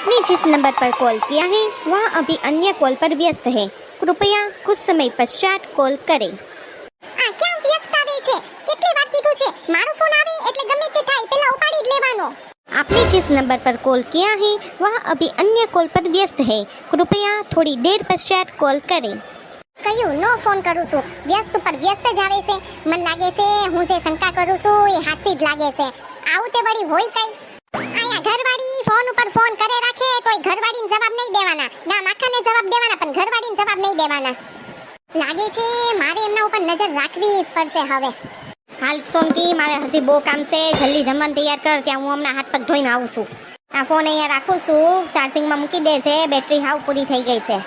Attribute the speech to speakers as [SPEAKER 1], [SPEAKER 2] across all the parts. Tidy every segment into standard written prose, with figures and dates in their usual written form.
[SPEAKER 1] आपने जिस नंबर पर कॉल किया है वह अभी अन्य कॉल पर व्यस्त है, कृपया कुछ समय पश्चात कॉल करें।
[SPEAKER 2] આ ક્યાં વ્યસ્ત આવે છે? કેટલી વાર કીધું છે મારો ફોન આવે એટલે ગમે તે થાય પેલા ઉપાડી જ લેવાનો।
[SPEAKER 1] आपने जिस नंबर पर कॉल किया है वह अभी अन्य कॉल पर व्यस्त है, कृपया थोड़ी देर पश्चात कॉल करें।
[SPEAKER 2] કયું નો ફોન કરું છું, વ્યસ્ત ઉપર વ્યસ્ત જ આવે છે। મન લાગે છે હું જે શંકા કરું છું એ હાથી જ લાગે છે। આવું તે વળી હોય કઈ? આયા ઘરવાળી ફોન ઉપર ફોન કરે રાખે તોય ઘરવાળીને જવાબ નહીં દેવાના, ગામ આખાને જવાબ દેવાના પણ ઘરવાળીને જવાબ નહીં દેવાના। લાગે છે મારે એમના ઉપર નજર રાખવી જ પડશે હવે।
[SPEAKER 1] હાલ સોનકી, મારે હજી બહુ કામ છે, જલ્દી જમવાનું તૈયાર કર, ત્યાં હું હમણાં હાથ પગ ધોઈને આવું છું। આ ફોન અહીંયા રાખું છું, ચાર્જિંગમાં મૂકી દે છે, બેટરી હાવ પૂરી થઈ ગઈ છે।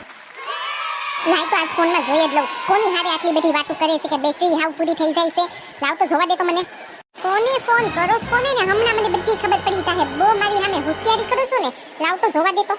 [SPEAKER 2] લાય તો આજ ફોનમાં જોઈ જ લઉં કોની હારે આટલી બધી વાતો કરે છે કે બેટરી હાવ પૂરી થઈ જાય છે। લાવ તો જોવા દે તો મને કોને ફોન કરો છો કોને ને હમણાં મને બધી ખબર પડી જાહે। બહુ મારી સામે હોશિયારી કરું છું ને, લાવ તો જોવા દે તો।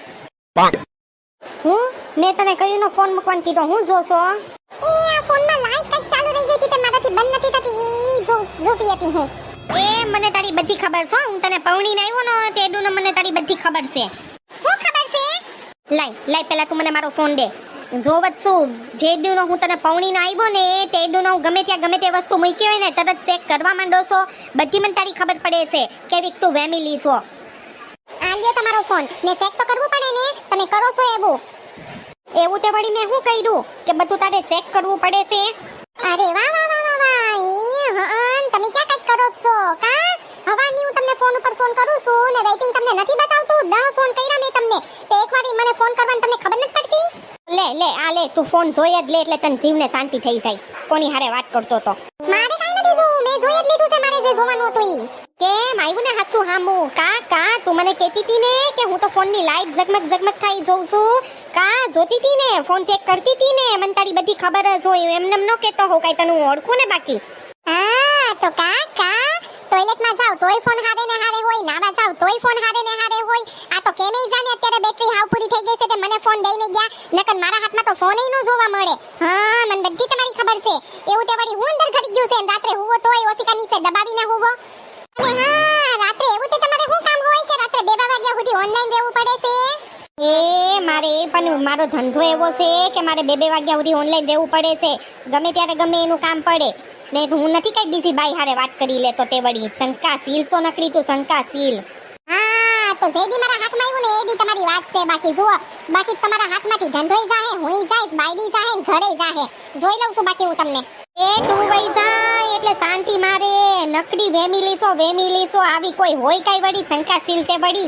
[SPEAKER 1] હું મેં તને કયું નો ફોન મૂકવાનું કીધો, હું જોશો?
[SPEAKER 2] એ આ ફોનમાં લાઈટ કઈક ચાલુ રહી ગઈ હતી તે મારાથી બંધ નથી થતી, ઈ જોતી હતી હું।
[SPEAKER 1] એ મને તારી બધી ખબર છે, હું તને પૌણીને આવ્યો ને તેડું ને મને તારી બધી ખબર છે।
[SPEAKER 2] હું ખબર છે?
[SPEAKER 1] લાય પહેલા તું મને મારો ફોન દે, જોવત છું જે દીનો હું તને પૌણીનો આવ્યો ને તે દીનો હું ગમે ત્યાં ગમે તે વસ્તુ મૂકી હોય ને તરત ચેક કરવા માંડો છો, બધી મને તારી ખબર પડે છે કેવી તું વેમિલી છો।
[SPEAKER 2] આ લ્યો તમારો ફોન ને ચેક તો કરવું પડે ને, તમે કરો છો
[SPEAKER 1] એવું તે વળી મેં શું કર્યું કે બધું તારે ચેક કરવું પડે છે?
[SPEAKER 2] અરે વાહ વાહ વાહ વાહ વાહ, એ હન તમે ક્યાં કઈક કરો છો કા? હવાની હું તમને ફોન ઉપર ફોન કરું છું ને વેઇટિંગ તમને નથી બતાવતું, 10 ફોન કર્યા મેં તમને તો એકવારી મને ફોન કરવાની તમને ખબર નથી પડતી?
[SPEAKER 1] લે તું ફોન જોઈ જ લે એટલે તને જીવને શાંતિ થઈ જાય, કોની હારે વાત કરતો તો?
[SPEAKER 2] મારે કાઈ નથી જોવું, મેં જોઈ જ લીધું છે મારે જે જોવાનું હતું ઈ।
[SPEAKER 1] કેમ આવ્યું ને હાસુ હામુ? કા તું મને કહેતી હતી ને કે હું તો ફોનની લાઈટ ઝગમગ થાય જોઉં છું, કા જોતી હતી ને ફોન ચેક કરતી હતી ને, મને તારી બધી ખબર જ હોય, એમને ન કહેતો હો કાઈ, તને હું ઓળખું ને બાકી।
[SPEAKER 2] હા તો કા ટોયલેટમાં જાવ તોય ફોન હારે ને હારે હોય, નાવા જાવ તોય ફોન હારે ને હારે હોય। આ તો કેમે જાને અત્યારે બેટરી હાવ પૂરી થઈ ગઈ છે તે મને ફોન દઈને ગયા, નકર મારા હાથમાં તો ફોન ય ન જોવા મળે। હા મને બધી તમારી ખબર છે, એવું તે વળી હું અંદર ઘડી ગયું છે ને રાત્રે હુવો તોય ઓસિકા નીચે દબાવીને હુવો। અને હા રાત્રે એવું તે તમારે શું કામ હોય કે રાત્રે 2 વાગ્યા સુધી ઓનલાઈન રહેવું પડે છે?
[SPEAKER 1] મારે પણ મારો ધંધો એવો છે કે મારે 2 વાગ્યા સુધી ઓનલાઈન રહેવું પડે છે, ગમે ત્યારે ગમે એનું કામ પડે ને, હું નથી કઈ બીજી બાઈ હારે વાત કરી લેતો તે વળી શંકાશીલ સો નકરી તું શંકાશીલ।
[SPEAKER 2] હા તો જેડી મારા હાથમાં આવ્યું ને એડી તમારી વાત છે, બાકી જુઓ બાકી તમારા હાથમાંથી ધંધોય જાહે, હુંય જાઈશ, બાયડી જાહે ને ઘરે જાહે, જોઈ લઉં છું બાકી હું તમને।
[SPEAKER 1] તું વઈ જાય એટલે શાંતિ મારે, નકરી વેમિલી છો આવી કોઈ હોય કઈ વળી શંકાશીલ તે વળી?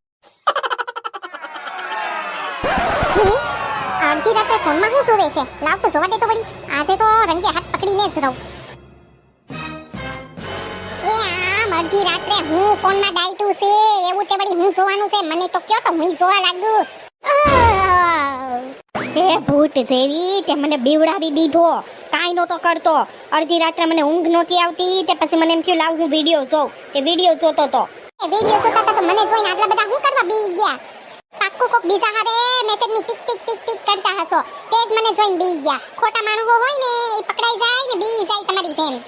[SPEAKER 2] અડધી રાતે ફોનમાં શું જોવે છે? લાવ તો જોવા દે તો વળી, આજે તો રંગે હાથ પકડીને જ રહું। અડધી રાત્રે હું ફોનમાં ડાયટું છે એવું તે વળી હું જોવાનું છે? મને તો કયો તો હું જોવા લાગુ।
[SPEAKER 1] હે ભૂત જેવી તે મને બીવડાવી દીધો, કાઈ નતો કરતો, અડધી રાત્રે મને ઊંઘ નહોતી આવતી તે પછી મને એમ થયું લાવ હું વિડિયો જોઉં, તે વિડિયો જોતો તો।
[SPEAKER 2] એ વિડિયો જોતા હતા તો મને જોઈને આટલા બધા હું કરવા બી ગયા? પાક્કું કોક બીજા હારે મેસેજની ટીક ટીક ટીક ટીક કરતા હશો તે જ મને જોઈને બી ગયા। ખોટા માણસો હોય ને એ પકડાઈ જાય ને બી જાય તમારી જેમ।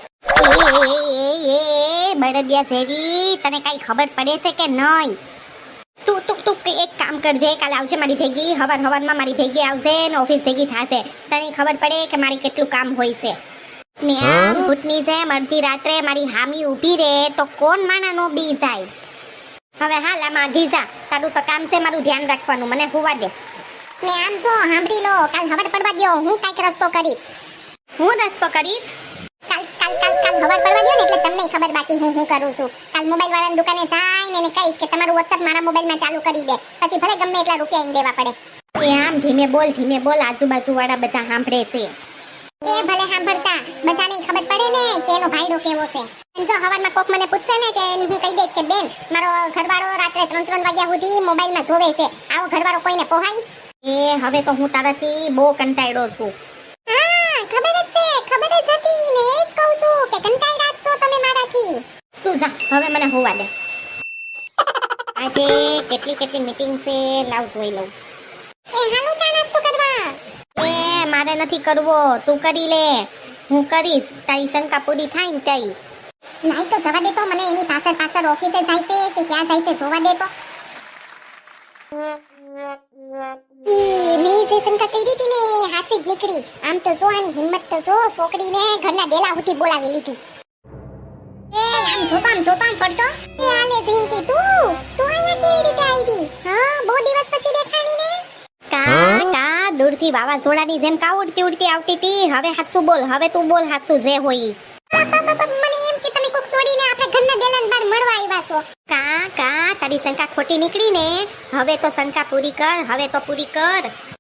[SPEAKER 1] બળદિયા જેવી તને કઈ ખબર પડે છે કે નહીં? તું એક કામ કરજે, કાલે આવજે મારી ભેગી, હવારમાં મારી ભેગી આવશે ને ઓફિસ ભેગી થાશે, તને ખબર પડે કે મારી કેટલું કામ હોય છે ને આમ ભૂતની જેમ અડધી રાત્રે મારી હામી ઊભી રહે તો કોણ માણા નો બી જાય। હવે હાલ આમાં ગીજા, તારું તો કામ છે મારું ધ્યાન રાખવાનું, મને હુવા દે
[SPEAKER 2] ને આમ જો સાંભળી લો, કાલ ખબર પડવા દો હું કાઈક રસ્તો કરીશ।
[SPEAKER 1] હું રસ્તો કરીશ?
[SPEAKER 2] કાલ ખબર પડવા દો ને એટલે તમને ખબર બાકી હું કરું છું। કાલ મોબાઈલ વાળાની દુકાને જઈને એને કહીશ કે તમારું WhatsApp મારા મોબાઈલમાં ચાલુ કરી દે, પછી ભલે ગમે એટલા રૂપિયા એને દેવા પડે।
[SPEAKER 1] એ આમ ધીમે બોલ, આજુબાજુ વાળા બધા સાંભળે છે।
[SPEAKER 2] એ ભલે સાંભળતા, બધાને ખબર પડે ને કે એનો ભાઈડો કેવો છે। જો હવારમાં કોક મને પૂછશે ને કે હું કહી દઈશ કે બેન મારો ઘરવાળો રાત્રે 3 વાગ્યા સુધી મોબાઈલમાં જોવે છે, આવો ઘરવાળો કોઈને પોહાય?
[SPEAKER 1] હવે તો હું તારાથી બહુ કંટાળ્યો છું।
[SPEAKER 2] હા ખબર જ હતી ને, એ જ કહું છું કે કંટાળ્યા છો તમે મારાથી।
[SPEAKER 1] તું જા હવે મને હોવા દે, આજે કેટલી મીટિંગ છે, લાવ જોઈ લઉં।
[SPEAKER 2] હાલો ચા નાસ્તો કરવા?
[SPEAKER 1] મારે નથી કરવો, તું કરી લે, હું કરીશ, તારી શંકા પૂરી થાય ને તઈ।
[SPEAKER 2] લાઈ તો જવા દે તો, મને એની પાછળ ઓફિસે જાય છે કે ક્યાં જાય છે જોવા દે તો। મેં જે શંકા કરી હતી ને હાસી જ નીકળી. આમ તો જો આની હિંમત તો જો, છોકરીને ઘરના ડેલા સુધી બોલાવી લીધી.
[SPEAKER 1] આમ જોતો આમ ફરતો.
[SPEAKER 2] એ આલે ઝીંકી તું અહીંયા કેવી રીતે આવી? હા, બહુ દિવસ પછી દેખાણી ને.
[SPEAKER 1] કા દૂરથી વાવાઝોડાની જેમ કા ઉડતી આવતી હતી. હવે હાચું બોલ, હવે તું બોલ હાચું જે હોય.
[SPEAKER 2] મને એમ કે તમે કોક છોડીને આપણે ઘરના ડેલાને બહાર મળવા આવ્યા છો.
[SPEAKER 1] કા તારી શંકા ખોટી નીકળી ને. હવે તો શંકા પૂરી કર, હવે તો પૂરી કર.